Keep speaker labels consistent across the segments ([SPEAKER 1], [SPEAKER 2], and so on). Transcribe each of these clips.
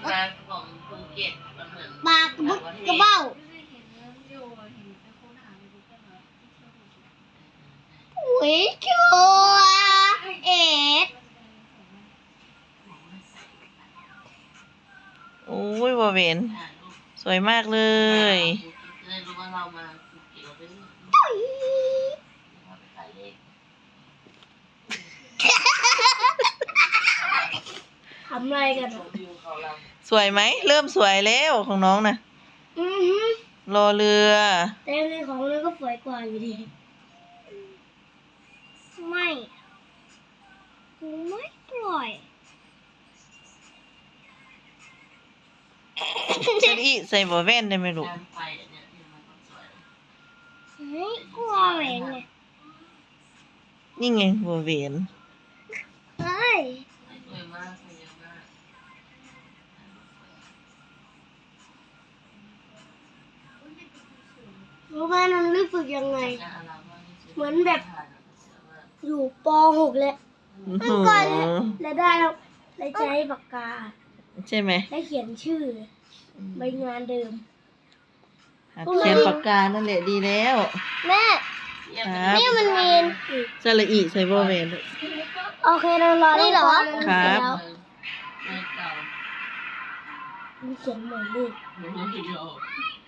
[SPEAKER 1] ปลาของภูเก็ตมันเหมือน
[SPEAKER 2] ปลากระบุกกระเบ้าอุ้ยชัวเอ็ด
[SPEAKER 3] โอ้ยบ่เวนสวยมากเลย
[SPEAKER 1] เลยรู้ว่าเรามาภูเก็ตเราไปขายเลข
[SPEAKER 2] ทำอะไรกัน
[SPEAKER 1] ชมวิวเขาเรา
[SPEAKER 3] สวยไหมเริ่มสวยแล้วของน้องนะรอเรือ
[SPEAKER 2] แต่ในของมันก็สวยกว่าอยู่ดีไม่ปล่อย
[SPEAKER 3] เจลลี่ใส่บ่แว่นได้ไหมลูก
[SPEAKER 1] การไฟเนี่ยมันต้องสวย
[SPEAKER 2] ไม่กลัวแหวนไง
[SPEAKER 3] นี่ไงบ่เวน
[SPEAKER 2] เฮ้ย
[SPEAKER 1] สวยมากสวยเยอะมาก
[SPEAKER 2] รู้ไหมน้องรู้สึกยังไง เหมือนแบบ อยู่ป .6 แล้ว
[SPEAKER 3] อื้อ
[SPEAKER 2] เมื่
[SPEAKER 3] หื
[SPEAKER 2] อ
[SPEAKER 3] อ
[SPEAKER 2] ก่อนแล้วได้ใช้ปากกา
[SPEAKER 3] ใช่ไหม
[SPEAKER 2] ได้เขียนชื่อใบงานเดิม
[SPEAKER 3] หัดเขียนปากกานั่นแหละดีแล้ว
[SPEAKER 2] แม่
[SPEAKER 3] ครับ
[SPEAKER 2] นี่มันมี
[SPEAKER 3] สระอีใส่บ่แว่นลูก
[SPEAKER 2] โอเคเรารอนี่เหรอ
[SPEAKER 3] ครับ
[SPEAKER 1] ไม่เก่า
[SPEAKER 2] มีเขียนหมายเลข
[SPEAKER 1] ไม่โยก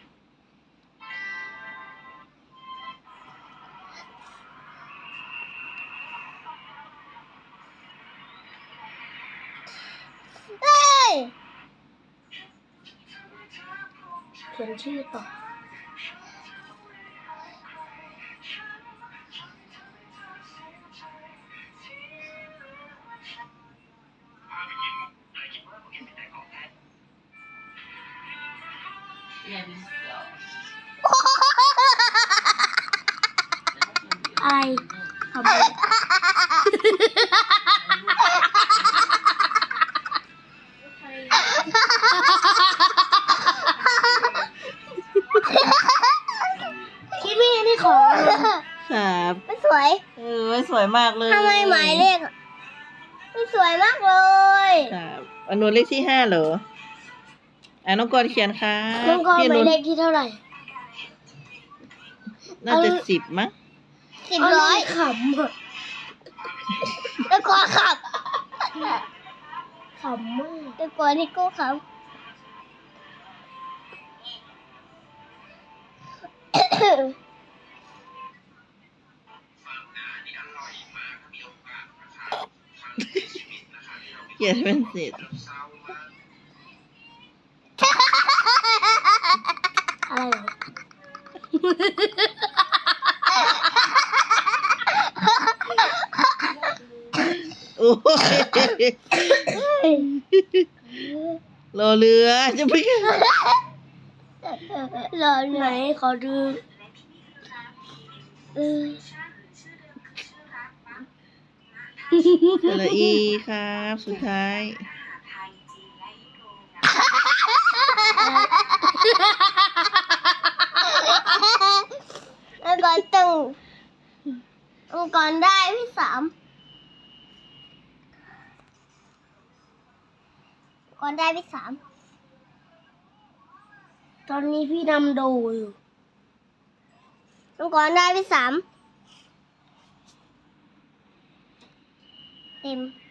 [SPEAKER 2] เฮ้ยเขียนชื่อต่ออะไรทำไมคิดไม่เห็นที่ของ
[SPEAKER 3] ครับ
[SPEAKER 2] ไม่สวย
[SPEAKER 3] สวยมากเลย
[SPEAKER 2] ทำไมหมายเลขอะไม่สวยมากเลย
[SPEAKER 3] ครับอันนู้นเลขที่5เหรอน้องกรณ์เขียนครับ
[SPEAKER 2] น้องกรณ์
[SPEAKER 3] พี่
[SPEAKER 2] ห
[SPEAKER 3] นุ
[SPEAKER 2] มาย
[SPEAKER 3] ช
[SPEAKER 2] เลขที่เท่าไหร่
[SPEAKER 3] น่าจะ10มั้ง
[SPEAKER 2] 10ขำอะแล้วก็ขำขำมากแต่ก่อนที่กูขำ
[SPEAKER 3] เขียนเป็นเสร็จ
[SPEAKER 2] อะไรเหรอ
[SPEAKER 3] โอ้ยรอเรือจะไปกัน
[SPEAKER 2] รอไหนขอดู
[SPEAKER 3] สระอีครับสุดท้าย
[SPEAKER 2] แล้วก็ตึงองค์กรได้ที่3ก่อนได้ที่3ตอนนี้พี่นำโดอยู่องค์กรได้ที่3เต็ม